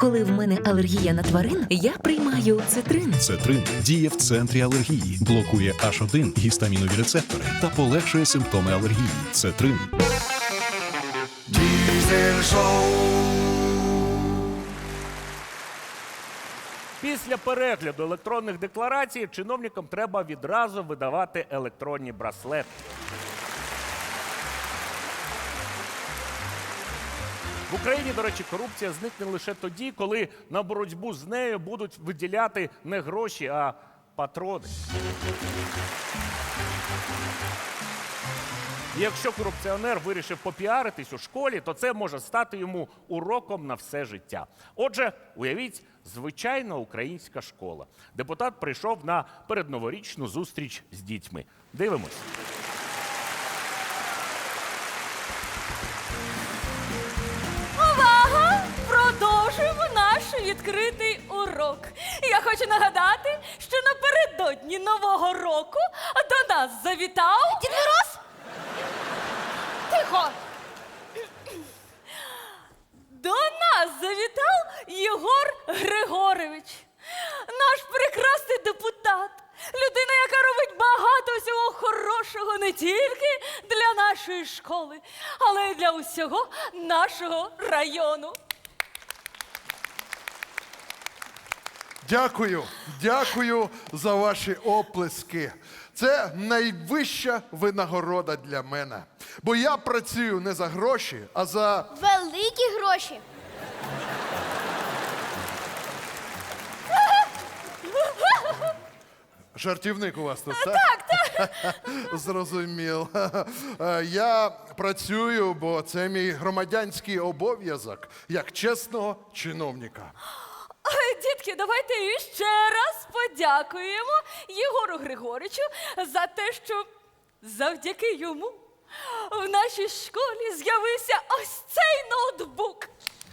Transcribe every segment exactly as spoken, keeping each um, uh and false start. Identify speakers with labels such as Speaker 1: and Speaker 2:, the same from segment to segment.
Speaker 1: Коли в мене алергія на тварин, я приймаю цитрин.
Speaker 2: Цетрин діє в центрі алергії, блокує аш один гістамінові рецептори та полегшує симптоми алергії. Цетрин.
Speaker 3: Diesel Show.
Speaker 4: Після перегляду електронних декларацій чиновникам треба відразу видавати електронні браслети. В Україні, до речі, корупція зникне лише тоді, коли на боротьбу з нею будуть виділяти не гроші, а патрони. І якщо корупціонер вирішив попіаритись у школі, то це може стати йому уроком на все життя. Отже, уявіть, звичайна українська школа. Депутат прийшов на передноворічну зустріч з дітьми. Дивимось.
Speaker 5: Увага! Продовжуємо наш відкритий урок. Я хочу нагадати, що напередодні Нового року до нас завітав... Дід Мороз! Тихо! До нас завітав Єгор Григорович. Наш прекрасний депутат. Людина, яка робить багато всього хорошого не тільки для нашої школи, але й для усього нашого району.
Speaker 6: Дякую, дякую за ваші оплески. Це найвища винагорода для мене. Бо я працюю не за гроші, а за...
Speaker 7: Великі гроші.
Speaker 6: Жартівник у вас тут, так? Так, так. Зрозумів. Я працюю, бо це мій громадянський обов'язок, як чесного чиновника.
Speaker 5: Ой, дітки, давайте ще раз подякуємо Єгору Григоричу за те, що завдяки йому в нашій школі з'явився ось цей ноутбук.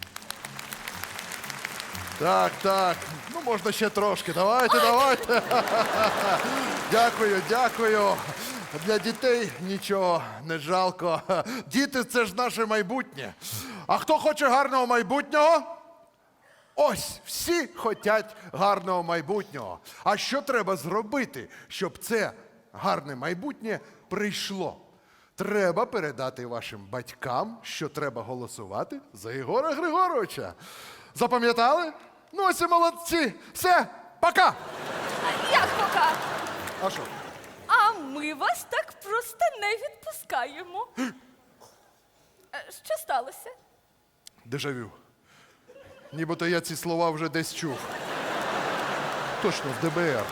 Speaker 6: Так, так. Ну, можна ще трошки. Давайте, давайте. Дякую, дякую. Для дітей нічого не жалко. Діти – це ж наше майбутнє. А хто хоче гарного майбутнього? Ось, всі хочуть гарного майбутнього. А що треба зробити, щоб це гарне майбутнє прийшло? Треба передати вашим батькам, що треба голосувати за Єгора Григоровича. Запам'ятали? Ну ось і молодці. Все, пока!
Speaker 5: Як пока?
Speaker 6: А що?
Speaker 5: А ми вас так просто не відпускаємо. Е, Що сталося?
Speaker 6: Дежавю. Нібито я ці слова вже десь чув. Точно, в де бе ер.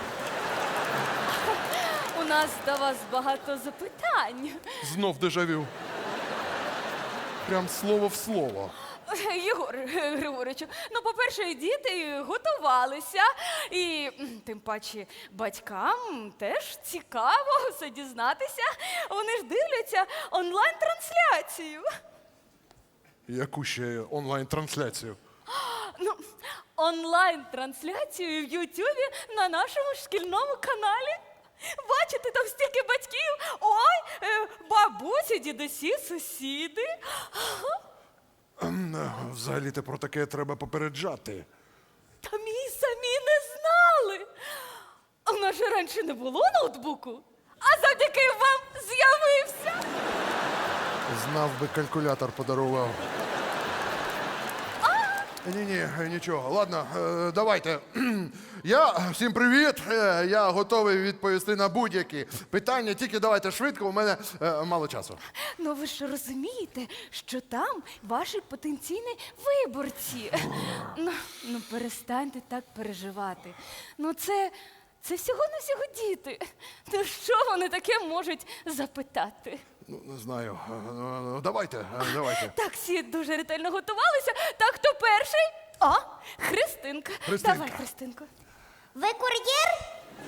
Speaker 5: У нас до вас багато запитань.
Speaker 6: Знов дежавю. Прям слово в слово.
Speaker 5: Єгор Григоровичу, ну, по-перше, діти готувалися, і м, тим паче батькам теж цікаво все дізнатися. Вони ж дивляться онлайн-трансляцію.
Speaker 6: Яку ще онлайн-трансляцію?
Speaker 5: Ну, онлайн-трансляцію в Ютубі на нашому шкільному каналі. Бачите, там стільки батьків. Ой, е, бабусі, дідусі, сусіди.
Speaker 6: Ем, Взагалі-то про таке треба попереджати.
Speaker 5: Та мій самі не знали. А в нас же раніше не було ноутбуку, а завдяки вам з'явився.
Speaker 6: Знав би, калькулятор подарував. Ні-ні, нічого. Ладно, е, давайте. Я, всім привіт. Е, Я готовий відповісти на будь-які питання. Тільки давайте швидко, у мене е, мало часу.
Speaker 5: Ну ви ж розумієте, що там ваші потенційні виборці. Ну, ну перестаньте так переживати. Ну це, це всього-навсього діти. Ну що вони таке можуть запитати?
Speaker 6: Ну, не знаю. Е, е, Давайте, е, давайте.
Speaker 5: Так, всі дуже ретельно готувалися. Так, хто перший? А, Христинка.
Speaker 6: Христинка.
Speaker 5: Давай, Христинко.
Speaker 7: Ви кур'єр?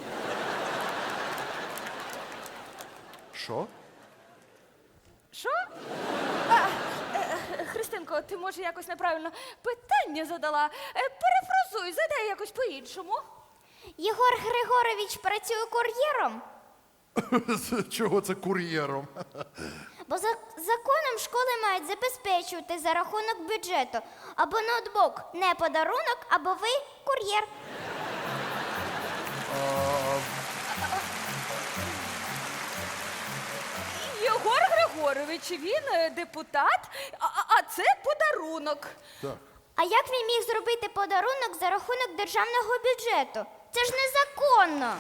Speaker 6: Що?
Speaker 5: Що? А, е, е, Христинко, ти, може, якось неправильно питання задала. Е, Перефразуй, задай якось по-іншому.
Speaker 7: Єгор Григорович працює кур'єром?
Speaker 6: Чого це кур'єром?
Speaker 7: Бо за законом школи мають забезпечувати за рахунок бюджету. Або ноутбук не подарунок, або ви кур'єр.
Speaker 5: Єгор Григорович, він е, депутат, а, а- а це подарунок.
Speaker 6: Так.
Speaker 7: А як він міг зробити подарунок за рахунок державного бюджету? Це ж незаконно.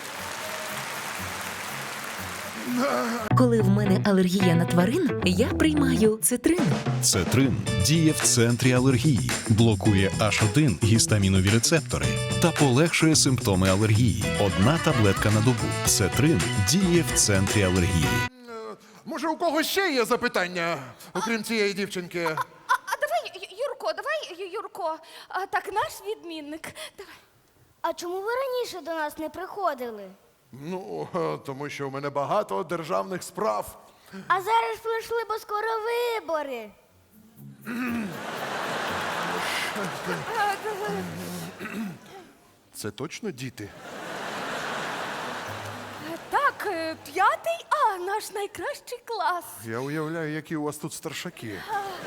Speaker 1: Коли в мене алергія на тварин, я приймаю цитрин.
Speaker 2: Цетрин діє в центрі алергії, блокує аш один гістамінові рецептори та полегшує симптоми алергії. Одна таблетка на добу. Цетрин діє в центрі алергії.
Speaker 6: Може, у когось ще є запитання, окрім цієї дівчинки?
Speaker 5: А, а давай, Ю- Юрко, давай, Ю- Юрко. А, так, наш відмінник. Давай.
Speaker 7: А чому ви раніше до нас не приходили?
Speaker 6: Ну, е, тому що у мене багато державних справ.
Speaker 7: А зараз прийшли, бо скоро вибори.
Speaker 6: Це точно діти?
Speaker 5: Так, е, п'ятий А, наш найкращий клас.
Speaker 6: Я уявляю, які у вас тут старшаки.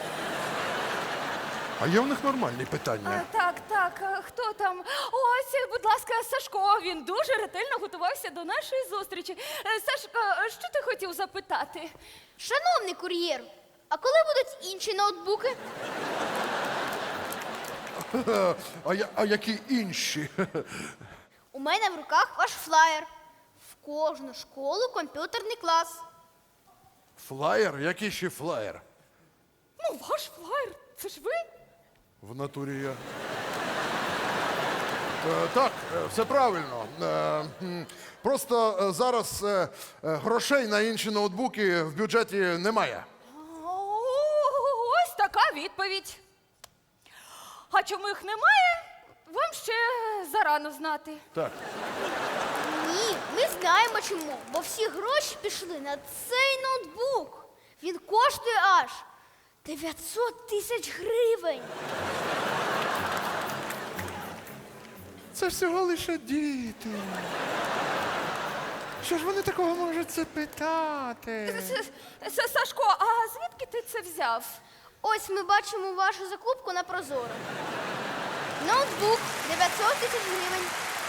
Speaker 6: А є в них нормальні
Speaker 5: А,
Speaker 6: питання?
Speaker 5: так, так, а хто там? Ось, будь ласка, Сашко. Він дуже ретельно готувався до нашої зустрічі. Е, Сашко, що ти хотів запитати?
Speaker 7: Шановний кур'єр, а коли будуть інші ноутбуки?
Speaker 6: А, я, а які інші?
Speaker 7: У мене в руках ваш флаєр. В кожну школу комп'ютерний клас.
Speaker 6: Флаєр? Який ще флаєр?
Speaker 5: Ну, ваш флаєр, це ж ви?
Speaker 6: В натурі я. Е, так, е, все правильно. Е, м, просто е, зараз е, е, грошей на інші ноутбуки в бюджеті немає.
Speaker 5: О, ось така відповідь. А чому їх немає, вам ще зарано знати.
Speaker 6: Так.
Speaker 7: Ні, ми знаємо чому. Бо всі гроші пішли на цей ноутбук. Він коштує аж дев'ятсот тисяч гривень.
Speaker 6: Це всього лише діти. Що ж вони такого можуть це питати?
Speaker 5: С- С- Сашко, а звідки ти це взяв?
Speaker 7: Ось ми бачимо вашу закупку на Прозоро. Ноутбук дев'ятсот тисяч гривень.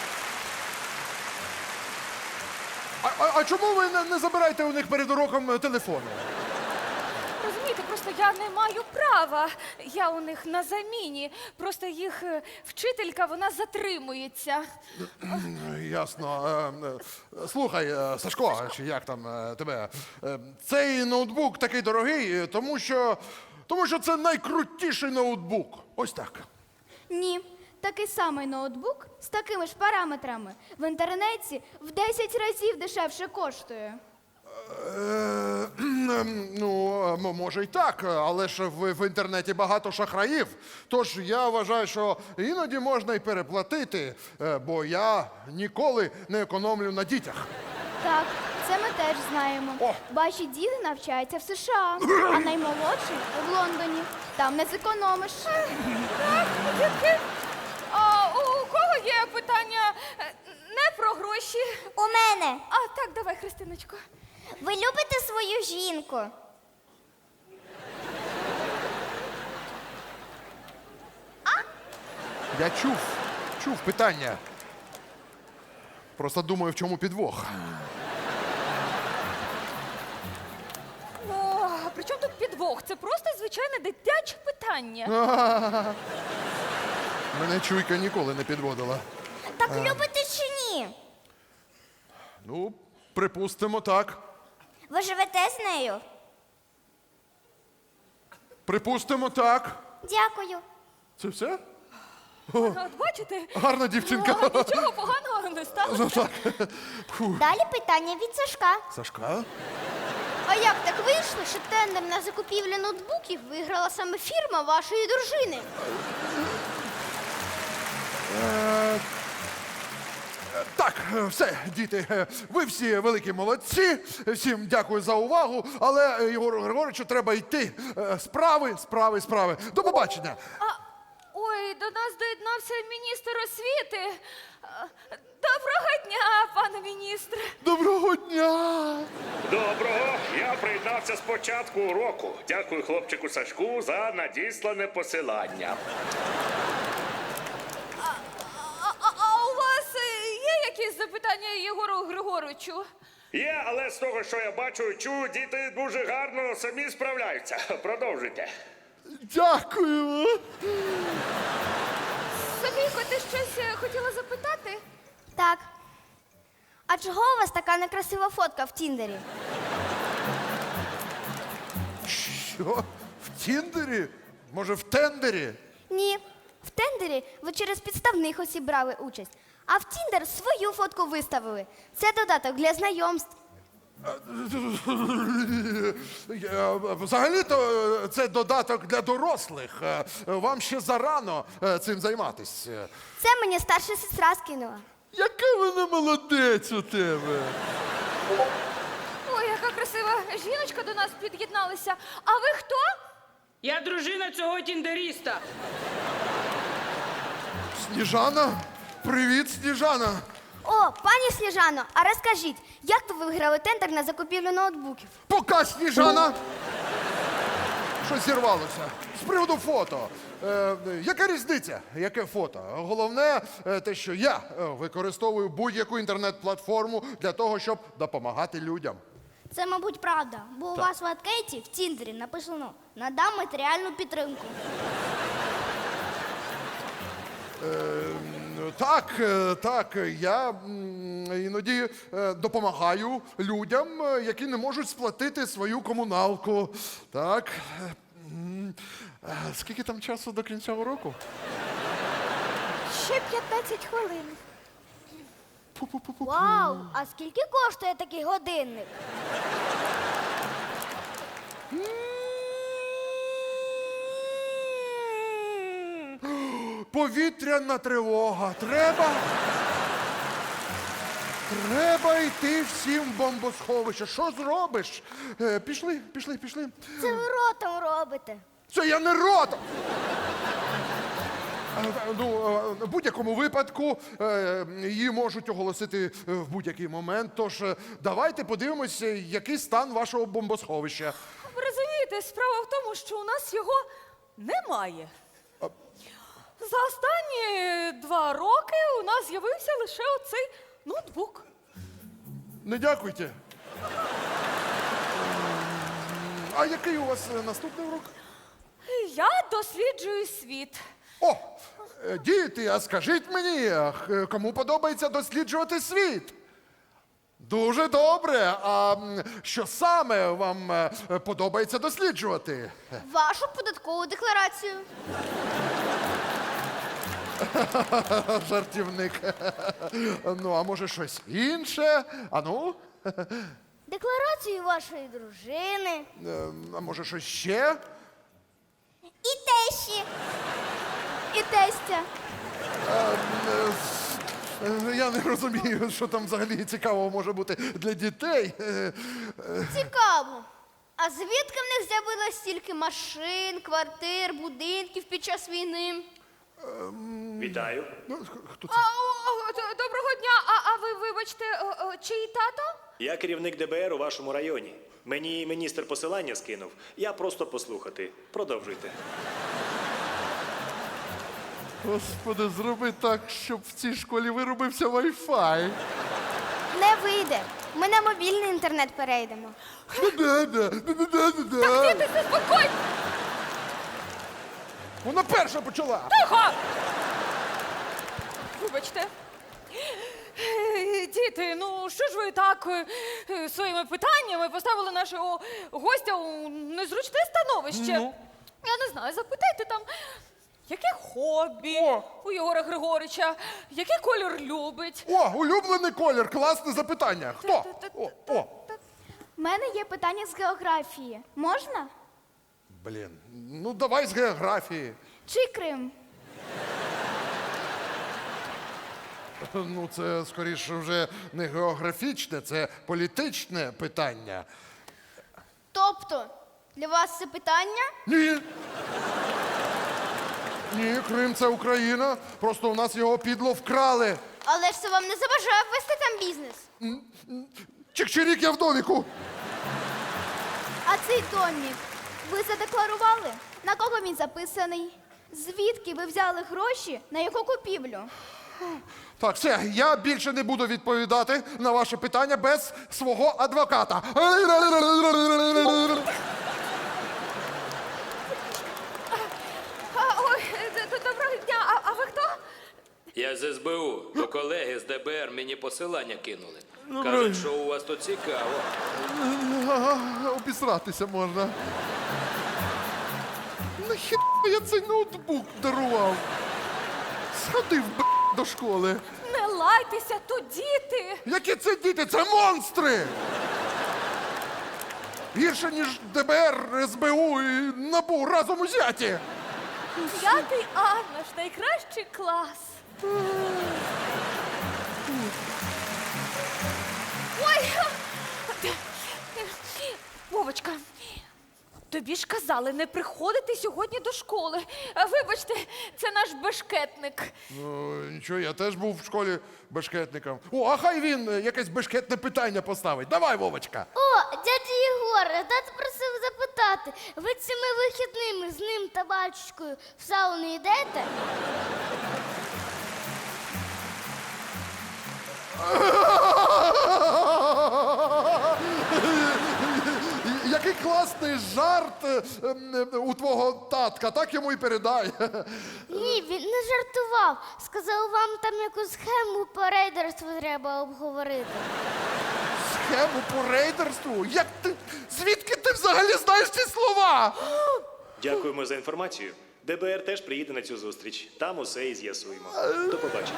Speaker 6: А, а, а чому ви не, не забираєте у них перед уроком телефони?
Speaker 5: Розумієте, просто я не маю права. Я у них на заміні. Просто їх е, вчителька, вона затримується.
Speaker 6: Ясно. Е, е, Слухай, е, Сашко, чи як там е, тебе? е, Цей ноутбук такий дорогий, е, тому що, тому що це найкрутіший ноутбук. Ось так.
Speaker 7: Ні, такий самий ноутбук з такими ж параметрами в інтернеті в десять разів дешевше коштує.
Speaker 6: Е, ну, м- може й так, але ж в, в інтернеті багато шахраїв. Тож я вважаю, що іноді можна й переплатити, е, бо я ніколи не економлю на дітях.
Speaker 7: Так, це ми теж знаємо.
Speaker 6: О!
Speaker 7: Ваші діти навчаються в США, а наймолодший в Лондоні. Там не зекономиш.
Speaker 5: Дітки, а у кого є питання е, не про гроші?
Speaker 7: У мене.
Speaker 5: А так, давай, Христиночко.
Speaker 7: Ви любите свою жінку?
Speaker 6: Я чув, чув питання. Просто думаю, в чому підвох.
Speaker 5: О, а при чому тут підвох? Це просто звичайне дитяче питання.
Speaker 6: Мене чуйка ніколи не підводила.
Speaker 7: Так любите чи ні?
Speaker 6: Ну, припустимо, так.
Speaker 7: Ви живете з нею?
Speaker 6: Припустимо, так.
Speaker 7: Дякую.
Speaker 6: Це все?
Speaker 5: От бачите?
Speaker 6: Гарна дівчинка.
Speaker 5: О, нічого поганого не сталося.
Speaker 6: Ну так. Фу.
Speaker 7: Далі питання від Сашка.
Speaker 6: Сашка?
Speaker 7: А як так вийшло, що тендер на закупівлю ноутбуків виграла саме фірма вашої дружини?
Speaker 6: Е, Так, е, все, діти, е, ви всі великі молодці. Всім дякую за увагу. Але е, Єгору Григоровичу треба йти. Е, Справи, справи, справи. До побачення.
Speaker 5: А, ой, до нас доєднався міністр освіти. А, Доброго дня, пане міністре.
Speaker 6: Доброго дня!
Speaker 4: Доброго. Я приєднався з початку уроку. Дякую хлопчику Сашку за надіслане посилання.
Speaker 5: А, а, а у вас е, є якісь запитання Єгору Григоровичу?
Speaker 4: Є, але з того, що я бачу і чую, діти дуже гарно самі справляються. Продовжуйте.
Speaker 6: Дякую!
Speaker 5: Софійко, ти щось е, хотіла запитати?
Speaker 7: Так. А чого у вас така некрасива фотка в Тіндері?
Speaker 6: Що? В Тіндері? Може, в тендері?
Speaker 7: Ні. В тендері ви через підставних осіб брали участь. А в Тіндер свою фотку виставили. Це додаток для знайомств.
Speaker 6: Я- Взагалі-то е, це додаток для дорослих. Е, Вам ще зарано е, цим займатися.
Speaker 7: Це мені старша сестра скинула.
Speaker 6: Яка вона молодець у тебе?
Speaker 5: Ой, яка красива жіночка до нас під'єдналася. А ви хто?
Speaker 3: Я дружина цього тіндеріста.
Speaker 6: Сніжана? Привіт, Сніжана.
Speaker 7: О, пані Сніжано, а розкажіть, як ви виграли тендер на закупівлю ноутбуків?
Speaker 6: Пока, Сніжана! Що зірвалося? З приводу фото. Е, яка різниця? Яке фото? Головне е, те, що я е, використовую будь-яку інтернет-платформу для того, щоб допомагати людям.
Speaker 7: Це, мабуть, правда, бо у вас в анкеті в Тіндері написано «Надам матеріальну підтримку».
Speaker 6: Так, е, так, я м, іноді е, допомагаю людям, е, які не можуть сплатити свою комуналку. Так. Е, м, е, Скільки там часу до кінця уроку?
Speaker 7: Ще п'ятнадцять хвилин. Вау, а скільки коштує такий годинник?
Speaker 6: Повітряна тривога. Треба. Треба йти всім в бомбосховище. Що зробиш? Е, пішли, пішли, пішли.
Speaker 7: Це ви ротом робите.
Speaker 6: Це я не рота! Е, Ну, е, в будь-якому випадку е, її можуть оголосити е, в будь-який момент. Тож е, давайте подивимося, який стан вашого бомбосховища.
Speaker 5: Ви розумієте, справа в тому, що у нас його немає. За останні два роки у нас з'явився лише оцей ноутбук.
Speaker 6: Не дякуйте. Ем, А який у вас е, наступний урок?
Speaker 5: Я досліджую світ.
Speaker 6: О, е, діти, а скажіть мені, а х- кому подобається досліджувати світ? Дуже добре. А м, що саме вам е, подобається досліджувати?
Speaker 7: Вашу податкову декларацію.
Speaker 6: Жартівник. Ну, а може щось інше? А ну?
Speaker 7: Декларацію вашої дружини.
Speaker 6: Е, А може щось ще?
Speaker 7: І тещі. І тестя.
Speaker 6: Е, Я не розумію, що там взагалі цікавого може бути для дітей. Е,
Speaker 7: Цікаво. А звідки в них з'явилось стільки машин, квартир, будинків під час війни?
Speaker 4: Вітаю.
Speaker 6: ну, Хто це?
Speaker 5: А, о, о, д- доброго дня. А, а ви, вибачте, о, о, чиї тато?
Speaker 8: Я керівник Д Б Р у вашому районі. Мені міністр посилання скинув. Я просто послухати. Продовжуйте.
Speaker 6: Господи, зроби так, щоб в цій школі виробився Wi-Fi.
Speaker 7: Не вийде. Ми на мобільний інтернет перейдемо.
Speaker 6: Да-да, да-да-да-да-да.
Speaker 5: Діти, заспокойте!
Speaker 6: Вона перша почала.
Speaker 5: Тихо! Вибачте. Е, Діти, ну що ж ви так е, е, своїми питаннями поставили нашого гостя у незручне становище?
Speaker 6: Ну?
Speaker 5: Я не знаю, запитайте там, яке хобі
Speaker 6: О!
Speaker 5: у Єгора Григорича, який кольор любить.
Speaker 6: О, улюблений колір, класне запитання. Хто? О, о.
Speaker 7: У мене є питання з географії. Можна?
Speaker 6: Блін, ну давай з географії.
Speaker 7: Чи Крим?
Speaker 6: Ну, це скоріше вже не географічне, це політичне питання.
Speaker 7: Тобто, для вас це питання?
Speaker 6: Ні. Ні, Крим це Україна. Просто у нас його підло вкрали.
Speaker 7: Але ж це вам не заважає вести там бізнес.
Speaker 6: Чик-чирік, я в доміку.
Speaker 7: А цей домік ви задекларували? На кого він записаний? Звідки ви взяли гроші на його купівлю?
Speaker 6: Так, все, я більше не буду відповідати на ваше питання без свого адвоката.
Speaker 5: А, ой, д- д- доброго дня. А, а ви хто?
Speaker 9: Я з ес бе у, то колеги з де бе ер мені посилання кинули. Кажуть, що у вас тут цікаво.
Speaker 6: Обісратися можна. Нахіба я цей ноутбук дарував? Сходив б до школи.
Speaker 5: Не лайтеся, тут діти.
Speaker 6: Які це діти? Це монстри! Гірше, ніж де бе ер, ес бе у і НАБУ разом узяті.
Speaker 5: П'ятий А, наш найкращий клас. Ой! Вовочка, тобі ж казали не приходити сьогодні до школи. А, Вибачте, це наш бешкетник.
Speaker 6: Ну, нічого, я теж був в школі бешкетником. О, а хай він е, якесь бешкетне питання поставить. Давай, Вовочка.
Speaker 7: О, дядя Єгор, тато просив запитати, ви цими вихідними з ним та батюшкою в сауну йдете?
Speaker 6: Який класний жарт е, е, у твого татка, так йому і передай.
Speaker 7: Ні, він не жартував. Сказав, вам там якусь схему по рейдерству треба обговорити.
Speaker 6: Схему по рейдерству? Як ти? Звідки ти взагалі знаєш ці слова?
Speaker 8: Дякуємо за інформацію. де бе ер теж приїде на цю зустріч. Там усе і з'ясуємо. До побачення.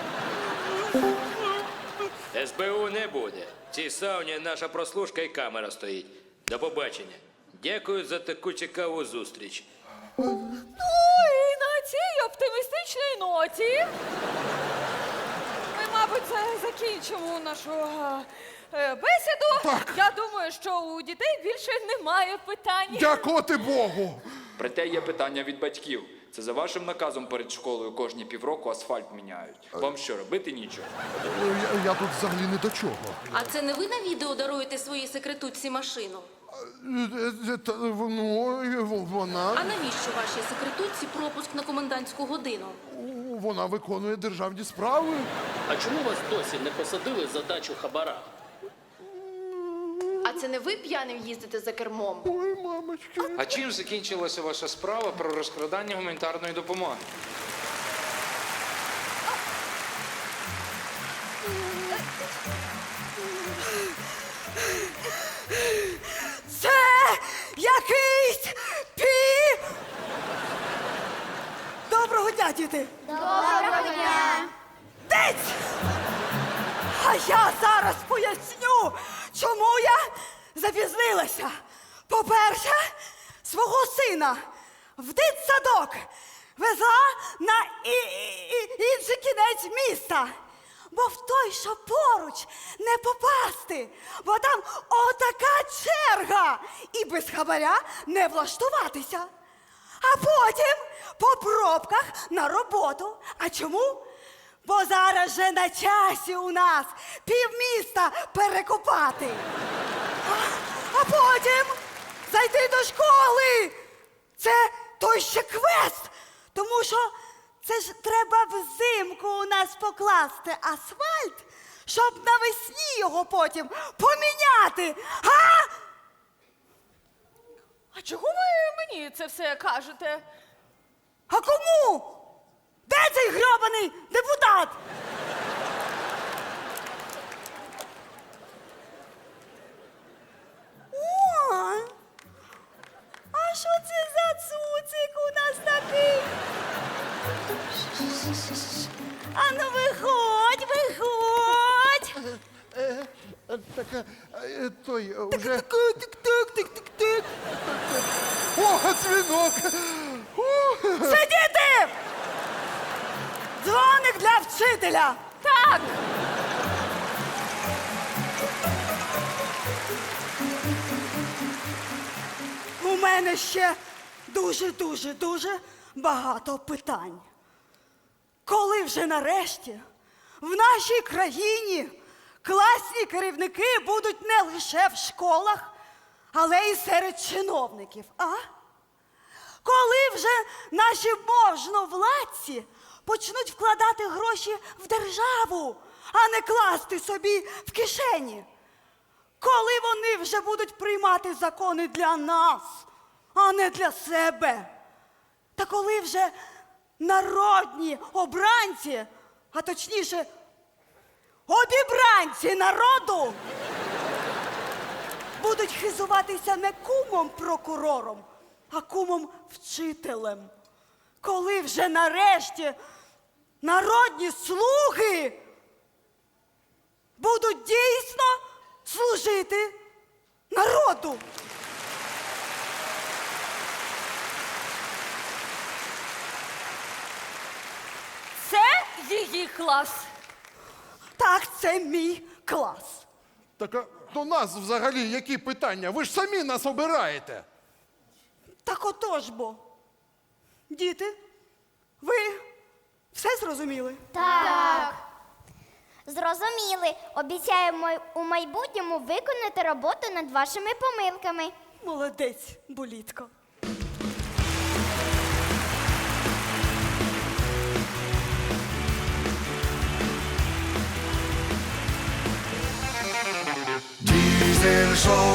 Speaker 9: ес бе у не буде. В цій сауні наша прослушка і камера стоїть. До побачення. Дякую за таку цікаву зустріч.
Speaker 5: Ну і на цій оптимістичній ноті ми, мабуть, за- закінчимо нашу е, бесіду. Я думаю, що у дітей більше немає питань.
Speaker 6: Дякувати Богу.
Speaker 10: Проте є питання від батьків. Це за вашим наказом перед школою кожні півроку асфальт міняють. Вам що, робити нічого?
Speaker 6: Ну, Я, я тут взагалі не до чого.
Speaker 1: А це не ви на відео даруєте своїй секретутці машину?
Speaker 6: Е, е, та, Ну, е, в- вона,
Speaker 1: А навіщо вашій секретутці пропуск на комендантську годину?
Speaker 6: вона виконує державні справи.
Speaker 11: А чому вас досі не посадили за дачу хабара?
Speaker 1: А це не ви п'яним їздите за кермом?
Speaker 6: Ой, мамочки.
Speaker 10: А чим закінчилася ваша справа про розкрадання гуманітарної допомоги?
Speaker 5: Це якийсь пі. Доброго дня, діти!
Speaker 7: Доброго дня!
Speaker 5: Дить! А я зараз поясню, чому я запізнилася. По-перше, свого сина в дитсадок везла на і- і- і- інший кінець міста. Бо в той, що поруч, не попасти, бо там отака черга, і без хабаря не влаштуватися. А потім по пробках на роботу. А чому? Бо зараз же на часі у нас півміста перекопати. А, а потім зайти до школи. Це той ще квест. Тому що це ж треба взимку у нас покласти асфальт, щоб навесні його потім поміняти. А? А чого ви мені це все кажете? А кому? Де цей грьобаний депутат? О, а що це за цуцик у нас такий? А ну виходь, виходь!
Speaker 6: Е, е, Так, е, е, той, е, уже...
Speaker 5: Тик-тик-тик-тик-тик.
Speaker 6: О, дзвінок! О,
Speaker 5: Сидіти! Дзвоник для вчителя! Так! У мене ще дуже-дуже-дуже багато питань. Коли вже нарешті в нашій країні класні керівники будуть не лише в школах, але й серед чиновників, а? Коли вже наші можновладці почнуть вкладати гроші в державу, а не класти собі в кишені? Коли вони вже будуть приймати закони для нас, а не для себе? Та коли вже народні обранці, а точніше, обібранці народу будуть хизуватися не кумом-прокурором, а кумом-вчителем. Коли вже нарешті народні слуги будуть дійсно служити народу. Це її клас. Так, це мій клас.
Speaker 6: Так а до нас взагалі які питання? Ви ж самі нас обираєте.
Speaker 5: Так отож бо. Діти, ви все зрозуміли?
Speaker 7: Так. Зрозуміли. Обіцяємо у майбутньому виконати роботу над вашими помилками.
Speaker 5: Молодець, Булітко.
Speaker 12: Diesel Show.